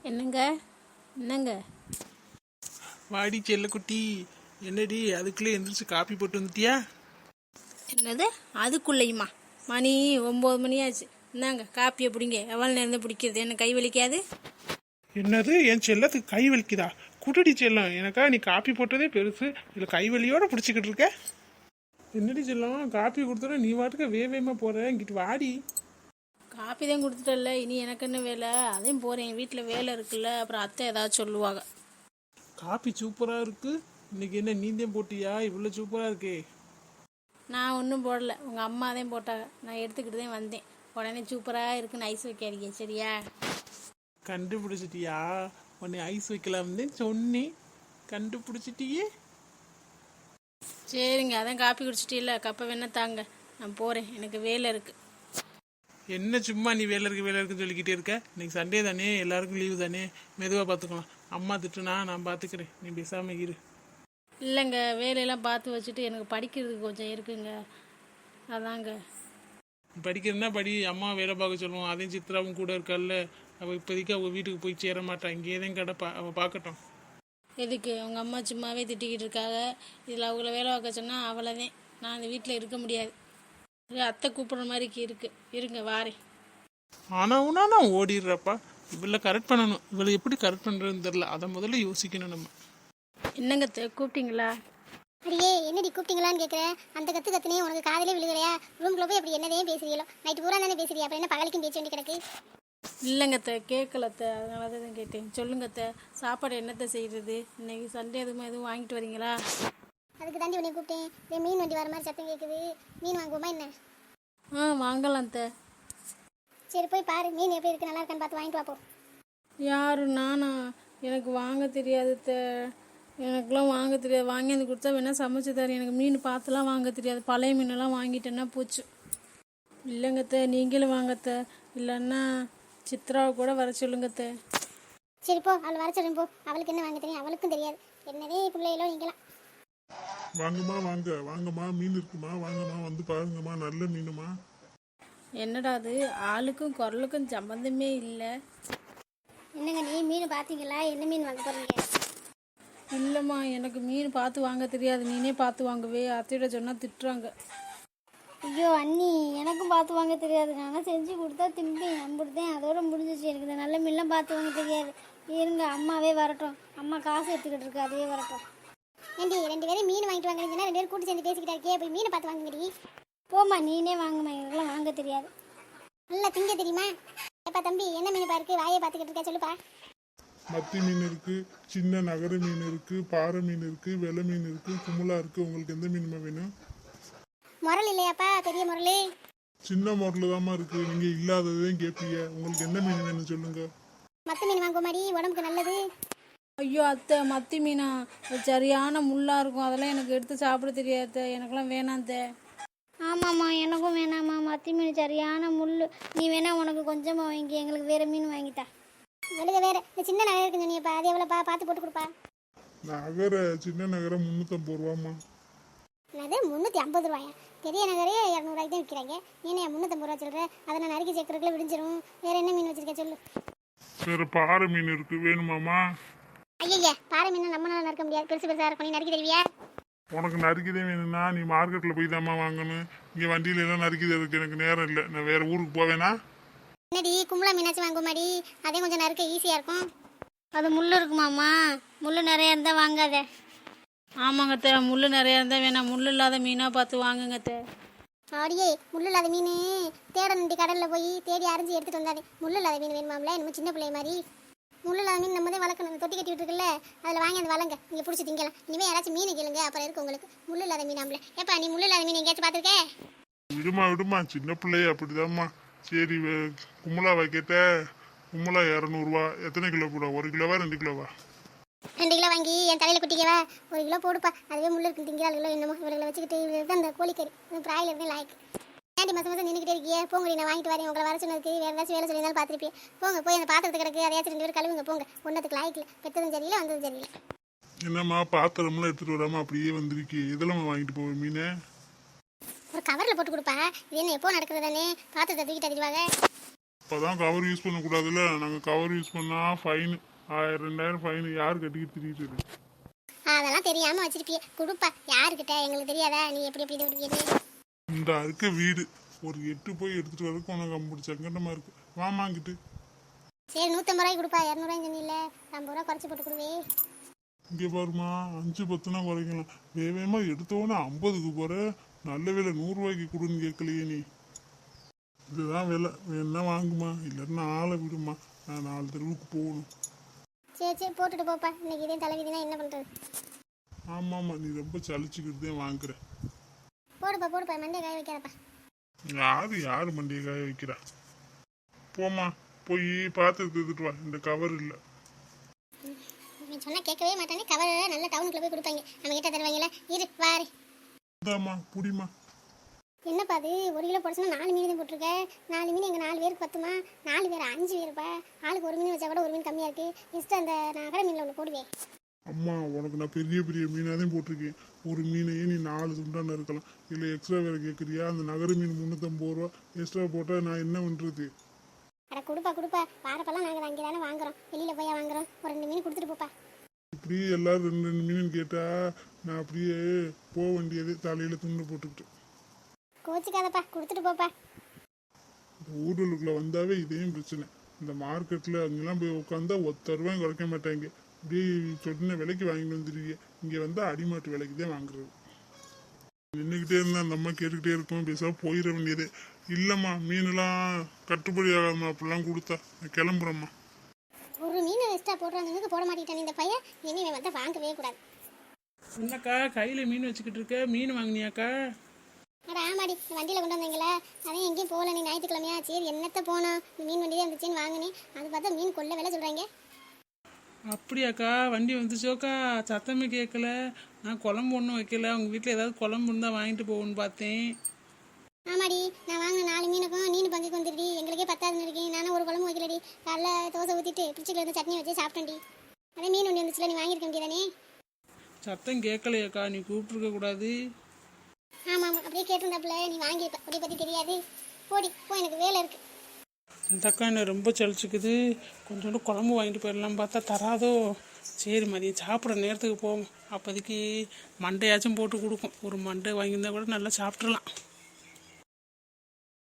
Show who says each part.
Speaker 1: என்னங்க என்னங்க
Speaker 2: வாடி செல்லக்குட்டி, என்னடி அதுக்குள்ளே எந்திரிச்சு காப்பி போட்டு வந்துட்டியா?
Speaker 1: என்னது அதுக்குள்ளேயுமா? மணி 9 மணி ஆச்சு. இந்தாங்க காப்பியை பிடிங்க. எவ்வளோ நேரம் தான் பிடிக்கிறது? என்ன கை வலிக்காது?
Speaker 2: என்னது என் செல்லத்துக்கு கை வலிக்குதா? குட்டடி செல்லம், எனக்கா நீ காப்பி போட்டதே பெருசு, இல்லை கை வலியோட பிடிச்சிக்கிட்டு இருக்க? என்னடி செல்லம், காப்பி கொடுத்தோட நீ வாட்டுக்க வேகமாக போற, இங்கிட்டு வாடி.
Speaker 1: காப்பி தான் கொடுத்துட்டல, இனி எனக்கு என்ன வேலை? அதையும் போகிறேன், வீட்டில் வேலை இருக்குல்ல, அப்புறம் அத்தை ஏதாவது சொல்லுவாங்க.
Speaker 2: காப்பி சூப்பராக இருக்கு. இன்னைக்கு என்ன நீந்தேன் போட்டியா? இவ்வளோ சூப்பராக இருக்கே.
Speaker 1: நான் ஒன்றும் போடலை, உங்கள் அம்மா தான் போட்டாங்க. நான் எடுத்துக்கிட்டு தான் வந்தேன். உடனே சூப்பராக இருக்குன்னு ஐஸ் வைக்காதீங்க சரியா?
Speaker 2: கண்டுபிடிச்சிட்டியா? உன்னை ஐஸ் வைக்கலாம்னு சொன்னேன், கண்டுபிடிச்சிட்டியே.
Speaker 1: சரிங்க, அதான் காப்பி குடிச்சிட்டீல்ல, கப்பை வேணா தாங்க, நான் போகிறேன், எனக்கு வேலை இருக்குது.
Speaker 2: என்ன சும்மா நீ வேலை இருக்குன்னு சொல்லிக்கிட்டே இருக்க? இன்னைக்கு சண்டே தானே, எல்லாருக்கும் லீவு தானே, மெதுவாக பார்த்துக்கலாம். அம்மா திட்டுனா நான் பார்த்துக்கிறேன், நீ பேசாமல் இரு.
Speaker 1: இல்லைங்க, வேலையெல்லாம் பார்த்து வச்சுட்டு எனக்கு படிக்கிறதுக்கு கொஞ்சம் இருக்குங்க, அதாங்க.
Speaker 2: படிக்கிறதுனா படி, அம்மா வேலை பார்க்க சொல்லுவோம். அதையும் சித்ராவும் கூட இருக்கால, அவள் இப்போதைக்கு அவள் வீட்டுக்கு போய் சேர மாட்டான், இங்கேயே தான் கிடப்பா, அவள் பார்க்கட்டும்.
Speaker 1: எதுக்கு? உங்கள் அம்மா சும்மாவே திட்டிக்கிட்டு இருக்காங்க. இதில் அவங்கள வேலை பார்க்க சொன்னால் அவ்வளோதான், நான் இந்த வீட்டில் இருக்க முடியாது. அத்தை கூப்பிட்ற மாதிரி இருங்க வாரேன்.
Speaker 2: ஆனால் உனா நான் ஓடிடுறப்பா. இவளை கரெக்ட் பண்ணணும். இவளை எப்படி கரெக்ட் பண்ணுறதுன்னு தெரில, அதை முதல்ல யோசிக்கணும் நம்ம.
Speaker 1: என்னங்க கூப்பிட்டீங்களா?
Speaker 3: அடியே என்னடி கூப்பிட்டீங்களான்னு கேட்குறேன். அந்த கத்துனே உனக்கு காதலே விழுகலையா? ரூம்ல போய் அப்படி என்னதே பேசுறீங்களோ? நைட்டு பூரா தானே பேசுறியா? அப்புறம் என்ன பகலுக்கும் பேச்சு வேண்டி கிடக்கு?
Speaker 1: இல்லைங்க கேட்கலத்த, அதனால தான் கேட்டேன். சொல்லுங்கத்த, சாப்பாடு என்னத்தை செய்கிறது? இன்னைக்கு சண்டே எதுவும் வாங்கிட்டு வரீங்களா?
Speaker 3: அதுக்கு தாண்டி உன்னை கூப்பிட்டேன். இதே மீன் வண்டி வர மாதிரி சத்தம் கேட்குது, மீன் வாங்குவோமா என்ன?
Speaker 1: வாங்கலாம் த.
Speaker 3: சரி போய் பாரு, மீன் எப்படி இருக்கு, நல்லா இருக்கான்னு பார்த்து வாங்கிட்டு வாப்போ.
Speaker 1: யாரு நானா? எனக்கு வாங்க தெரியாது த, எனக்குலாம் வாங்க தெரியாது. வாங்கி வந்து கொடுத்தா வேணால் சமைச்சு தரேன். எனக்கு மீன் பார்த்துலாம் வாங்க தெரியாது. பழைய மீனெல்லாம் வாங்கிட்டேன்னா போச்சு. இல்லைங்கத்த, நீங்களும் வாங்கத்த, இல்லைன்னா சித்ராவை கூட வர சொல்லுங்கத்த.
Speaker 3: சரி போ, அவள் வர சொல்லுங்க போ. அவளுக்கு என்ன வாங்க தெரியும்? அவளுக்கும் தெரியாது. என்னதே பிள்ளைகளோ நீங்களாம்.
Speaker 4: வாங்கம்மா வாங்கம்மா, மீன் இருக்குமா? வாங்கம்மா, வந்து பாருங்கம்மா, நல்ல மீனுமா.
Speaker 1: என்னடா அது, ஆளுக்கும் குரலுக்கும் சம்பந்தமே இல்லை.
Speaker 3: என்னங்க நீ மீன் பார்த்தீங்களா? என்ன மீன் வாங்க போறீங்க?
Speaker 1: இல்லைம்மா, எனக்கு மீன் பார்த்து வாங்க தெரியாது. நீனே பார்த்து வாங்குவே. அத்தையோட சொன்னால் திட்டுறாங்க.
Speaker 3: ஐயோ அண்ணி, எனக்கும் பார்த்து வாங்க தெரியாது. நானும் செஞ்சு கொடுத்தா திம்பேன், நம்பிடுதேன், அதோட முடிஞ்சிச்சு. எனக்கு இந்த நல்ல மீன்லாம் பார்த்து வாங்க தெரியாது. இருங்க, அம்மாவே வரட்டும். அம்மா காசு எடுத்துக்கிட்டு இருக்கு, அதே வரட்டும். ஏண்டி 2 பேரும் மீன் வாங்கிட்டு வாங்கினீங்கன்னா 2 பேரும் கூட்டு சேர்ந்து பேசிக்கிட்டா இருக்கே, போய் மீனை பார்த்து வாங்குங்கடி. போம்மா, நீனே வாங்குமா, எனக்குலாம் வாங்க தெரியாது. நல்லா திங்க தெரியுமா? எப்பா தம்பி, என்ன மீன் பாருக்கு, வாயை பார்த்துக்கிட்டு இருக்கா, சொல்லுப்பா.
Speaker 4: மத்தி மீன் இருக்கு, சின்ன நகர மீன் இருக்கு, பாறை மீன் இருக்கு, வெள்ளை மீன் இருக்கு, குமுலா இருக்கு. உங்களுக்கு எந்த மீனுமா வேணும்?
Speaker 3: முரல் இல்லையாப்பா, பெரிய முரல்?
Speaker 4: சின்ன முரல் தாம்மா இருக்கு. நீங்க இல்லாததையும் கேட்பீங்க. உங்களுக்கு என்ன மீன் வேணும் சொல்லுங்க.
Speaker 3: மத்த மீன் வாங்குமாடி, உடம்புக்கு நல்லது.
Speaker 1: ஐயோ அத்தை, மத்தி மீனா? சரியான முள்ளாக இருக்கும், அதெல்லாம் எனக்கு எடுத்து சாப்பிட தெரியாது. எனக்கெல்லாம் வேணாம் தே.
Speaker 3: ஆமாம்மா, எனக்கும் வேணாம்மா, மத்தி மீன் சரியான முள். நீ வேணா உனக்கு கொஞ்சமாக வாங்கி, எங்களுக்கு வேற மீன் வாங்கிட்டா. எழுத வேற இந்த சின்ன நகை இருக்குன்னு சொன்னியப்பா, அது எவ்வளோப்பா? பார்த்து போட்டு கொடுப்பா.
Speaker 4: நகர சின்ன நகரம் 350 ரூபாம்மா.
Speaker 3: என்னது 350 ரூபாயா? பெரிய நகரே 200 ரூபாய்க்கு தான் விற்கிறாங்க. நீ 350 ரூபா சொல்கிற? அதை நான் நறுக்கி சேர்க்கறதுக்குள்ள விடிஞ்சிரும். வேற என்ன மீன் வச்சிருக்க சொல்லு.
Speaker 4: வேற பாறை மீன் இருக்கு, வேணுமாம்மா?
Speaker 3: ஐயா, பாறை மீன் நம்மளால நறுக்க முடியாது, பெருசு பெருசாக இருக்கும். நீ நறுக்கி தருவியா?
Speaker 4: உனக்கு நறுக்கிதே வேணும்னா நீ மார்க்கெட்டில் போய் தாம்மா வாங்கணும். இங்கே வண்டியில எல்லாம் நறுக்கிதே இருக்கு, எனக்கு நேரம் இல்லை. நான் வேற ஊருக்கு போவேனா?
Speaker 3: என்னடி கும்பலா மீனாச்சும் வாங்குமாடி, அதே கொஞ்சம் நறுக்க ஈஸியாக இருக்கும். அது முள் இருக்குமாம்மா? முள் நிறைய இருந்தால் வாங்காத.
Speaker 1: ஆமாங்க அத்தை, முள் நிறையா இருந்தால் வேணாம். முள் இல்லாத மீனாக பார்த்து வாங்குங்க அத்தை.
Speaker 3: அப்படியே முள் இல்லாத மீன் தேட நின்று கடலில் போய் தேடி அரைஞ்சி எடுத்துகிட்டு வந்தாதே. முள் இல்லாத மீன் வேணுமாம்ல, இன்னும் சின்ன பிள்ளை மாதிரி. முள் இல்லாத மீன் நம்ம தான் வளர்க்கணும். தொட்டி கட்டி விட்டுருக்குல்ல, அதில் வாங்கி அந்த வளங்க நீங்கள் பிடிச்சி திங்கலாம். இனிமேல் யாராச்சும் மீன் கேளுங்க, அப்புறம் இருக்கு உங்களுக்கு. முள் இல்லாத மீனாம்ல. ஏப்பா, நீ முள் இல்லாத மீன் எங்கேயாச்சும் பார்த்துருக்கே?
Speaker 4: விடுமா, சின்ன பிள்ளைய அப்படிதாம்மா. சரி, கும்பலாவை கேட்ட. கும்பலா 200 ரூபா. எத்தனை கிலோ போட? 1 கிலோவா 2 கிலோவா?
Speaker 3: 2 கிலோ வாங்கி என் தலையில் குட்டிக்கவா? 1 கிலோ போடுப்பா, அதுவே முள் இருக்கு திங்கிறாளுகளோ என்னமோ. இவர்களை வச்சுக்கிட்டு இவருக்கு அந்த கோழிக்கறி பிராயில் தான் லாய்க்கு. ஏன்டி மாதம் நின்றுக்கிட்டே இருக்கியே? போங்கடி, நான் வாங்கிட்டு வரேன். உங்களை வர சொன்னதுக்கு வேறு ஏதாச்சும் வேலை சொல்லியிருந்தாலும் பார்த்துருப்பேன். போங்க, போய் அந்த பாத்திரத்தை கிடக்கு, அதையாச்சும் 2 பேர் கழுவுங்க. போங்க, ஒன்றத்துக்கு லாய்க்கில். பெற்றதும் சரியில்லை, வந்ததும் சரியில்லை.
Speaker 4: என்னம்மா பாத்திரம்லாம் எடுத்துட்டு வராம அப்படியே வந்திருக்கு? இதெல்லாம் வாங்கிட்டு போவேன் மீனை.
Speaker 3: ஒரு கவரில் போட்டு கொடுப்பா. இது என்ன எப்போ நடக்கிறது தானே? பாத்திரத்தை தூக்கிட்டு அறிவாங்க.
Speaker 4: இப்போதான் கவர் யூஸ் பண்ணக்கூடாதுல்ல, நாங்கள் கவர் யூஸ் பண்ணால் ஃபைனு 1000-2000 ஃபைனு. யார் கட்டிக்கிட்டு திரிட்டு?
Speaker 3: அதெல்லாம் தெரியாம வச்சிருப்பிய குடுப்பா. யாருக்கிட்ட எங்களுக்கு தெரியாதா நீ எப்படி எப்படி விடுவியது?
Speaker 4: இந்த இருக்க வீடு ஒரு 8 போய் எடுத்துட்டு வரதுக்கு உனக்கு அம்புடி சங்கடமா இருக்கு. வாமாங்கிட்டு.
Speaker 3: சரி 150 ரூபாய்க்கு கொடுப்பா. 200 ரூபாய் சொன்னில்ல, 50 ரூபா குறைச்சி போட்டு கொடுவே.
Speaker 4: இங்கே பாருமா, 5-10னா குறைக்கலாம். வேகமா எடுத்தோன்னே 50க்கு போற. நல்ல விலை 100 ரூபாய்க்கு கொடுன்னு கேட்கலையே நீ. இதுதான் விலை, வேணா வாங்குமா, இல்லைன்னா ஆளை விடுமா, நான் 4 தெருவுக்கு போகணும்.
Speaker 3: சரி சரி போட்டுட்டு போப்பா. இன்னைக்கு இதே தலைவிதினா என்ன பண்றது?
Speaker 4: ஆமாம்மா, நீ ரொம்ப சலிச்சுக்கிட்டு தான் வாங்குற.
Speaker 3: போடுப்பா போடுப்பா, மண்டே காய வைக்காதப்பா.
Speaker 4: யாரு மண்டியை காய வைக்கிறா? போம்மா, போய் பார்த்து எடுத்துட்டு வா. இந்த கவர் இல்லை.
Speaker 3: நீ சொன்னா கேட்கவே மாட்டானே. கவர் நல்ல டவுனுக்குள்ள போய் கொடுப்பாங்க, நம்ம கிட்ட தருவாங்களா? இரு வாரு.
Speaker 4: இந்தாம்மா, புடிமா.
Speaker 3: என்னப்பா அது 1 கிலோ போட சொன்னா 4 மீன் தான் போட்டிருக்க. 4 மீன் எங்கள் 4 பேருக்கு பத்துமா? 4 பேர் 5 பேருப்பா. ஆளுக்கு 1 மீன் வச்சா கூட 1 மீன் கம்மியாக இருக்கு. இஷ்டம் அந்த நகர மீனில் ஒன்று போடுவேன்.
Speaker 4: அம்மா, உனக்கு நான் பெரிய பெரிய மீனாக தான் போட்டிருக்கேன். ஒரு மீனையே நீ 4 துண்டான இருக்கலாம். இல்லை எக்ஸ்ட்ரா வேறு கேட்குறியா? அந்த நகர மீன் 350 ரூபா எக்ஸ்ட்ரா போட்டால் நான் என்ன பண்ணுறது?
Speaker 3: அட கொடுப்பா கொடுப்பா. வாரப்பெல்லாம் நாங்கள் அங்கே தானே வாங்குறோம், வெளியில் போய் வாங்குறோம். ஒரு 2 மீன் கொடுத்துட்டு போப்பா.
Speaker 4: இப்படி எல்லாரும் 2 மீன் கேட்டால் நான் அப்படியே போக வேண்டியது, தலையில் துண்டு போட்டுக்கிட்டு.
Speaker 3: கோச்சிக்காதப்பா, கொடுத்துட்டு போப்பா.
Speaker 4: இந்த ஊர்களுக்குள்ளே வந்தாவே இதையும் பிரச்சனை. இந்த மார்க்கெட்டில் அங்கெல்லாம் போய் உட்காந்தா 1 ரூபாயும் குறைக்க மாட்டாங்க. இப்படியே சொன்ன விலைக்கு வாங்கிட்டு வந்துருவீங்க. இங்கே வந்தால் அடிமாட்டு விலைக்கு தான் வாங்குறது. நின்றுக்கிட்டே இருந்தால் அந்த அம்மா கேட்டுக்கிட்டே இருக்கும், பேசாமல் போயிட வேண்டியது. இல்லைம்மா, மீனெல்லாம் கட்டுப்படி ஆகாதம்மா, அப்படிலாம் கொடுத்தா. நான் கிளம்புறேம்மா.
Speaker 3: ஒரு மீன் எக்ஸ்ட்ரா போடுறாங்க, போட மாட்டேன் இந்த பையன். இனிமே வந்தால் வாங்கவே கூடாது.
Speaker 2: என்னக்கா கையில் மீன் வச்சுக்கிட்டு இருக்க? மீன் வாங்கினியாக்கா?
Speaker 3: அட ஆமாடி, வண்டியில் கொண்டு வந்தீங்களா? அதான் எங்கேயும் போகல. நீ ஞாயிற்றுக்கிழமையா? சரி என்னத்த போனோம், மீன் வண்டி தான் இருந்துச்சுன்னு வாங்கினேன். அது பார்த்தா மீன் கொள்ள விலை சொல்கிறாங்க.
Speaker 2: அப்படியாக்கா, வண்டி வந்துச்சோக்கா? சத்தமே கேட்கல. நான் குழம்பு ஒன்றும் வைக்கல. உங்கள் வீட்டில் ஏதாவது குழம்பு இருந்தால் வாங்கிட்டு போகணுன்னு பார்த்தேன்.
Speaker 3: ஆமாடி, நான் வாங்கின 4 மீனுக்கும் நீனு பங்குக்கு வந்துடுடி. எங்களுக்கே 10 இருக்கேன். நானும் ஒரு குழம்பு வைக்கலடி. காலைல தோசை ஊற்றிட்டு பிடிச்சிக்கல இருந்து சட்னி வச்சு சாப்பிட்டேன்டி. அதே மீன் ஒன்று வந்துச்சுல, நீ வாங்கியிருக்க முடியாதானே?
Speaker 2: சத்தம் கேட்கலையாக்கா? நீ கூப்பிட்ருக்க கூடாது.
Speaker 3: ஆமாம் ஆமாம், அப்படியே கேட்டிருந்தாப்புல. நீ வாங்கியிருப்ப, அப்படி பற்றி தெரியாது. போடி போ, எனக்கு வேலை இருக்குது.
Speaker 2: இந்த அக்கா என்ன ரொம்ப சலிச்சுக்குது. கொஞ்சோண்டு குழம்பு வாங்கிட்டு போயிடலாம் பார்த்தா தராதோ. சரி, மதியம் சாப்பிட்ற நேரத்துக்கு போவோம். அப்போதைக்கு மண்டையாச்சும் போட்டு கொடுக்கும். ஒரு மண்டை வாங்கியிருந்தா கூட நல்லா சாப்பிட்றலாம்.